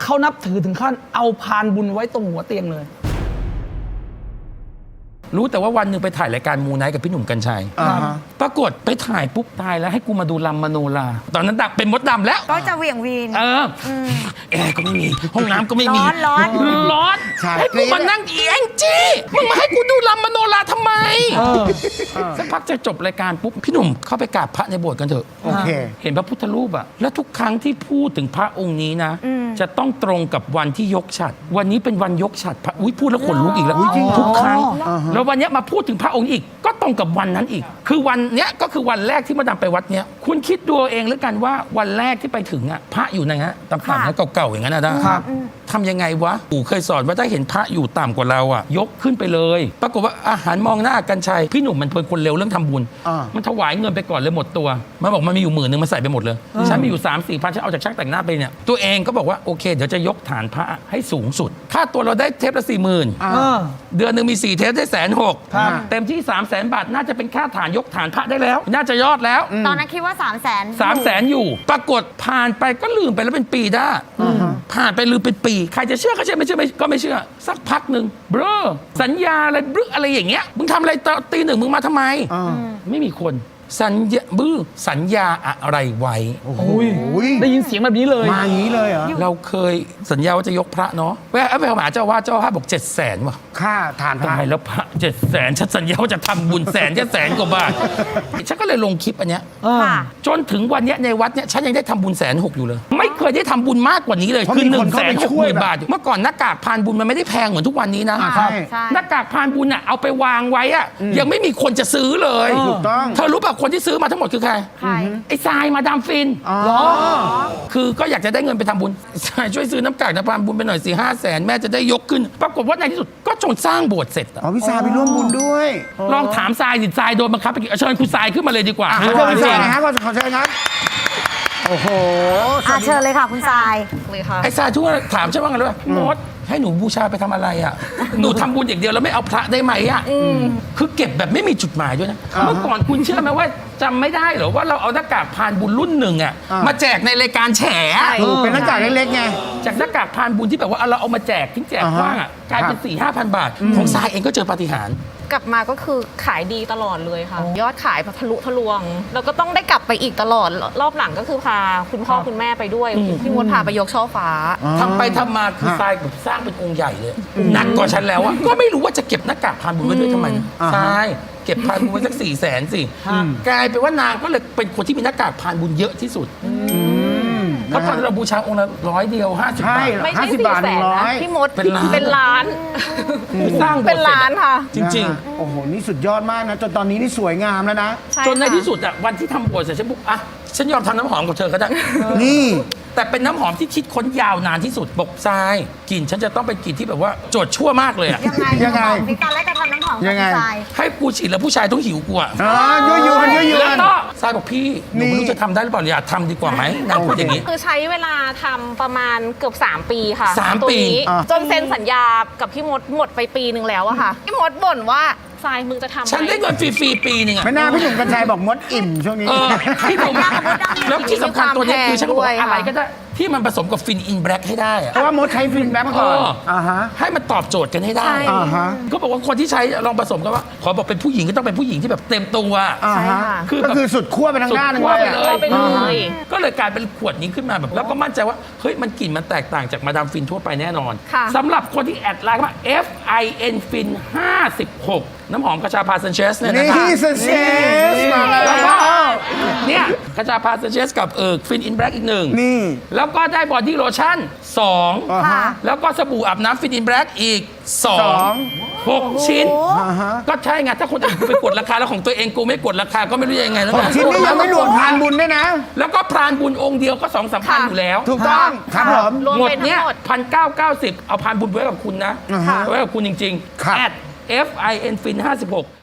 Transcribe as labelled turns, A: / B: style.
A: เขานับถือถึงขั้นเอาพานบุญไว้ตรงหัวเตียงเลย
B: รู้แต่ว่าวันหนึ่งไปถ่ายรายการมูไนท์กับพี่หนุ่มกัญชัยปรากฏไปถ่ายปุ๊บตายแล้วให้กูมาดูลำมโนราตอนนั้นดักเป็นมดดำแล้ว
C: ก็จะเหวี่ยงวีน
B: แอร์ก็ไม่มีห้องน้ำก็ไม่มี
C: ร้อน
B: ให้กูมานั่งเอียงจี้มึงมาให้กูดูลำมโนราทำไมสักพักจะจบรายการปุ๊บพี่หนุ่มเข้าไปกราบพระในโบสถ์กันเถอะ
D: โอเค
B: เห็นพระพุทธรูปอะแล้วทุกครั้งที่พูดถึงพระองค์นี้นะจะต้องตรงกับวันที่ยกฉัตรวันนี้เป็นวันยกฉัตรพระพูดแล้วขนลุกอีกแล้วทุกครั้งแล้ววันนี้มาพูดถึงพระองค์อีกก็ตรงกับวันนั้นอีกคือวันเนี้ยก็คือวันแรกที่มาดามไปวัดเนี้ยคุณคิดดูเองแล้วกันว่าวันแรกที่ไปถึงอ่ะพระอยู่นะฮะต่ำๆนะเก่าๆอย่างนั้นนะทำยังไงวะปู่เคยสอนว่าถ้าเห็นพระอยู่ต่ำกว่าเราอ่ะยกขึ้นไปเลยปรากฏว่าอาหารมองหน้ากัญชัยพี่หนุ่มมันเป็นคนเร็วเรื่องทำบุญมันถวายเงินไปก่อนเลยหมดตัวมันบอกมันมีอยู่10,000มันใส่ไปหมดเลยฉันมีอยู่3-4 พันฉันเอาจากช่างแต่งหน้าไปเนี่ยตัวเองก็บอกว่าโอเคเดี๋ยวจะยกฐานพระให้สูงสุดค่าตัวเราได้เทปละ40,000เดือนนึงมี4 เทปได้160,000เต็มที่300,000 บาทน่าจะเป็นค่าฐานยกฐานพระได้แล้วน่าจะยอดแล้ว
C: ตอนนั้นคิดว่า
B: 300,000อยู่ปรากฏผ่านไปก็ลืมไปแล้วเป็นปีได้ผ่านไปลืมเป็นปีใครจะเชื่อก็เชื่อไม่เชื่อก็ไม่เชื่อสักพักหนึ่งเบ้อสัญญาอะไรบลึกอะไรอย่างเงี้ยมึงทำอะไรตี 1มึงมาทำไมไม่มีคนสัญญาอะไรไว้
A: ได้ยินเสียงแบบนี้เลย
D: มาอย่างนี้เลยเหรอ
B: เราเคยสัญญาว่าจะยกพระเนาะไปหาเจ้าว่าบอก700,000ว่ะ
D: ค่าฐานพระ
B: ตายแล้วพระ700,000ฉันสัญญาว่าจะทำบุญ100,000 กว่าบาทฉันก็เลยลงคลิปอันเนี้ยจนถึงวันเนี้ยในวัดเนี้ยฉันยังได้ทำบุญ160,000อยู่เลยไม่เคยได้ทำบุญมากกว่านี้เลยคือ160,000 บาทเมื่อก่อนหน้ากากพานบุญมันไม่ได้แพงเหมือนทุกวันนี้นะหน้ากากพานบุญอ่ะเอาไปวางไว้อ่ะยังไม่มีคนจะซื้อเลย
D: ถูกต้อง
B: เธอรู้ป่ะคนที่ซื้อมาทั้งหมดคือใครไอ้ทรายมาดามฟินคือก็อยากจะได้เงินไปทำบุญทรายช่วยซื้อน้ำกากน้ำพานบุญไปหน่อย4-5 แสนแม่จะได้ยกขึ้นปรากฏว่าในที่สุดก็จนสร้างโบสถ์เสร็จ
D: พี่ทรายไปร่วมบุญด้วย
B: ลองถามทรายดิทรายโดนบังคับไปเชิญคุณทรายขึ้นมาเลยดีกว่า
D: เชิญคุณทรายนะฮะขอเชิญครับโอ้โห
C: เชิญเลยค่ะคุณทราย
B: เลยค่ะไอ้ทรายทุกคนถามใช่ไหมกันเลยว่ามดให้หนูบูชาไปทำอะไรอ่ะหนูทำบุญอย่างเดียวแล้วไม่เอาพระได้ไหมอ่ะคือเก็บแบบไม่มีจุดหมายด้วยนะเมื่อก่อนคุณเชื่อไหมว่าจำไม่ได้เหรอว่าเราเอาหน้ากากพานบุญรุ่นหนึ่งอ่ะมาแจกในรายการแฉ
D: เป็นหน้ากากเล็กๆไง
B: จากหน้ากากพานบุญที่แบบว่าเราเอามาแจกทิ้งแจกว่างอ่ะกลายเป็น4-5 พันบาทของทรายเองก็เจอปาฏิหาริย์
E: กลับมาก็คือขายดีตลอดเลยค่ะยอดขายทะลุทะลวงแล้วก็ต้องได้กลับไปอีกตลอดรอบหลังก็คือพาคุณพ่อคุณแม่ไปด้วยพี่มดพาไปยกช่อฟ้า
B: ทำไปทำมาคือทรายแบบสร้างเป็นองค์ใหญ่เลยหนักกว่าฉันแล้วอะก็ไม่รู้ว่าจะเก็บหน้ากากพานบุญไว้ด้วยทำไมทรายเก็บพานบุญไว้สัก400,000 สิกลายเป็นว่านางก็เลยเป็นคนที่มีหน้ากากพานบุญเยอะที่สุดเพราะตอนเราบูชาองค์ละ100 เดียว50 บาท
E: ไม่ใช่400,000นะพี่มดเป็นล้าน
B: สร้าง
E: เป็นล้านค่ะ
B: จริงๆ
D: โอ้โหนี่สุดยอดมากนะจนตอนนี้นี่สวยงามแล้วนะ
B: จนในที่สุดอะวันที่ทำโบสถ์เสร็จฉันบอกอ่ะฉันยอมทำน้ำหอมกับเธอก็ได้
D: นี่
B: แต่เป็นน้ำหอมที่คิดค้นยาวนานที่สุดบอกทรายกลิ่นฉันจะต้องเป็นกลิ่นที่แบบว่าโจดชั่วมากเลยอะ
C: ยังไงมีการแลกกันทำน้ำหอมกับทราย
B: ให้กูฉีดแล้วผู้ชายต้องหิวกูอะ
D: ยั่วยวน
B: แล้วก็ทรายบอกพี่หนูไม่รู้จะทำได้หรือเปล่าอย่าทำดีกว่าไหมนางพูดอย่างนี้
E: คือใช้เวลาทำประมาณเกือบ3 ปีค่ะ
B: 3 ปี
E: จนเซ็นสัญญากับพี่มดหมดไปปีนึงแล้วอะค่ะพี่มดบ่นว่าทรายมึงจะทำ
B: ฉันได้เงินฟรีๆปีนึงอะ
D: ไม่น่าพี่หนุ่มกัญชัยบอกมดอิ่มช่วงนี้
B: พี่หนุ่มแล้วที่สำคัญตัวนี้คือฉันบอกอะไรก็ได้ที่มันผสมกับฟินอินแบล็กให้ได้
D: เพราะว่ามดใช้ฟินแบล็กมาก่อน
B: ให้มันตอบโจทย์กันให้ได้ก็บอกว่าคนที่ใช้ลองผสมกันว่าขอบอกเป็นผู้หญิงก็ต้องเป็นผู้หญิงที่แบบเต็มตัว
D: ก็คือสุดขั้วไปทางด้าน
B: เลยก็เลยกลายเป็นขวดนี้ขึ้นมาแบบแล้วก็มั่นใจว่าเฮ้ยมันกลิ่นมันแตกต่างจากมาดามฟินทั่วไปแน่นอนสำหรับคนที่แอดไลน์ว่า FIN FIN 56น้ำหอมกระชาพาเซนเชสเนี่ยนะครับ
D: นี่เซนเชสมาแล้ว
B: เนี่ยกระชาพาเซนเชสกับฟินอินแบล็กอีก1
D: นี่
B: แล้วก็ได้บอดี้โลชั่น2แล้วก็สบู่อาบน้ำฟินอินแบล็กอีก6 ชิ้นก็ใช่ไงถ้าคนอื่นกูไปกดราคาแล้วของตัวเองกูไม่กดราคาก็ไม่รู้ยังไงแล้ว
D: 6 ชิ้นนี่ยังไม่รวมพรานบุญด้วยนะ
B: แล้วก็พรานบุญองค์เดียวก็2-3 พันอยู่แล้ว
D: ถูกต้องครับผม
B: หมดเนี่ย1,990เอาพรานบุญไว้กับคุณนะไว้กับคุณจริงๆ@FIN FIN 56